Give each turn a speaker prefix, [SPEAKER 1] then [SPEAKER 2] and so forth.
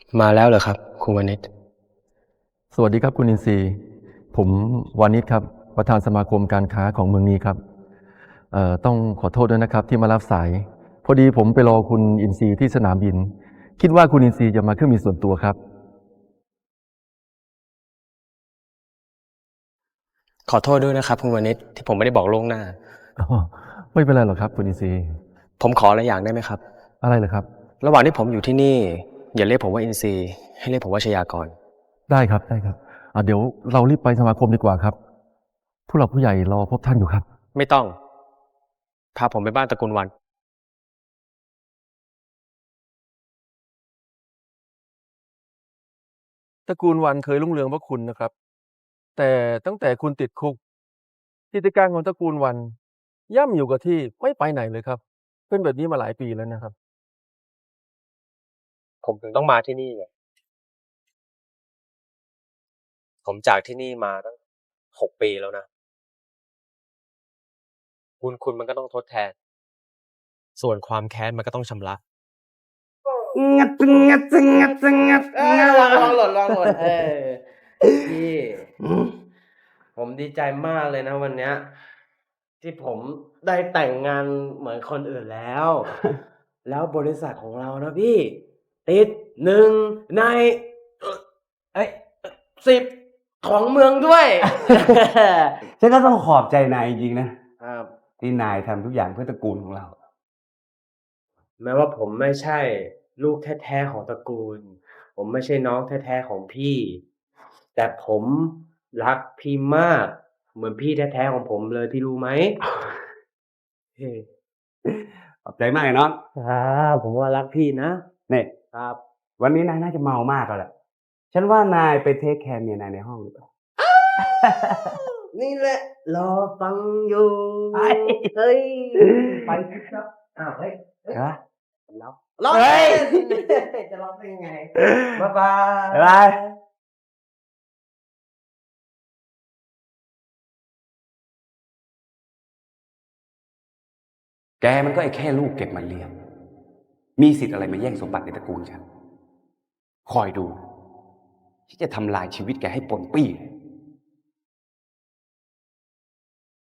[SPEAKER 1] มาแล้วเหรอครับคุณวณิช
[SPEAKER 2] สวัสดีครับคุณอินทรีย์ผมวานิชครับประธานสมาคมการค้าของเมืองนี้ครับต้องขอโทษด้วยนะครับที่มารับสายพอดีผมไปรอคุณอินทรีย์ที่สนามบินคิดว่าคุณอินทรีย์จะมาเครื่องบินส่วนตัวครับ
[SPEAKER 1] ขอโทษด้วยนะครับคุณวณิชที่ผมไม่ได้บอกล่วงหน้า
[SPEAKER 2] อ๋อไม่เป็นไรหรอกครับคุณอินทรีย์
[SPEAKER 1] ผมขออะไรอย่างได้ไหมครับ
[SPEAKER 2] อะไรเหรอครับ
[SPEAKER 1] ระหว่างที่ผมอยู่ที่นี่อย่าเรียกผมว่าอินซีย์ให้เรียกผมว่าชยากร
[SPEAKER 2] ได้ครับได้ครับเดี๋ยวเรารีบไปสมาคมดีกว่าครับผู้หลักผู้ใหญ่รอพบท่านอยู่ครับ
[SPEAKER 1] ไม่ต้องพาผมไปบ้านตระกูลวัน
[SPEAKER 2] ตระกูลวันเคยรุ่งเรืองเพราะคุณนะครับแต่ตั้งแต่คุณติดคุกกิจการของตระกูลวันย่ำอยู่กับที่ไม่ไปไหนเลยครับเป็นแบบนี้มาหลายปีแล้วนะครับ
[SPEAKER 1] ผมถึงต้องมาที่นี่ไงผมจากที่นี่มาตั้ง6 ปีแล้วนะบุญคุณมันก็ต้องทดแทนส่วนความแค้นมันก็ต้องชำระ
[SPEAKER 3] งัดงัดงัดงัดลองหล่นพี่ผมดีใจมากเลยนะวันเนี้ยที่ผมได้แต่งงานเหมือนคนอื่นแล้ว แล้วบริษัทของเรานะพี่ติด1 ในเอ้ย10ของเมืองด้วย
[SPEAKER 4] ฉันก็ต้องขอบใจนายจริงๆนะครับ ที่นายทำทุกอย่างเพื่อตระกูลของเรา
[SPEAKER 3] แม้ว่าผมไม่ใช่ลูกแท้ๆของตระกูล ผมไม่ใช่น้องแท้ๆของพี่ แต่ผมรักพี่มาก เหมือนพี่แท้ๆของผมเลยพี่รู้ไหม เฮ้
[SPEAKER 4] ขอบใจมากเลยน้อง
[SPEAKER 3] ผมว่ารักพี่นะ
[SPEAKER 4] นี่
[SPEAKER 3] ครับ
[SPEAKER 4] วันนี้นายน่าจะเมามากแล้วแหละฉันว่านายไปเทคแคร์เมียนายในห้องหรือเปล่า
[SPEAKER 3] นี่แหละ รอฟังอยู่
[SPEAKER 4] ไป
[SPEAKER 3] เฮ้ย ไปครับอ้าวเฮ้ย
[SPEAKER 4] ฮะ
[SPEAKER 3] ร้อง
[SPEAKER 4] เฮ้ย
[SPEAKER 3] จะร้องได้ยังไง บ๊ายบาย
[SPEAKER 4] บ๊ายบาย แกมันก็ไอ้แค่ลูกเก็บมาเลี้ยง มีสิทธิ์อะไรมาแย่งสมบัติในตระกูลฉัน คอยดูที่จะทำลายชีวิตแกให้ปนปี้เลย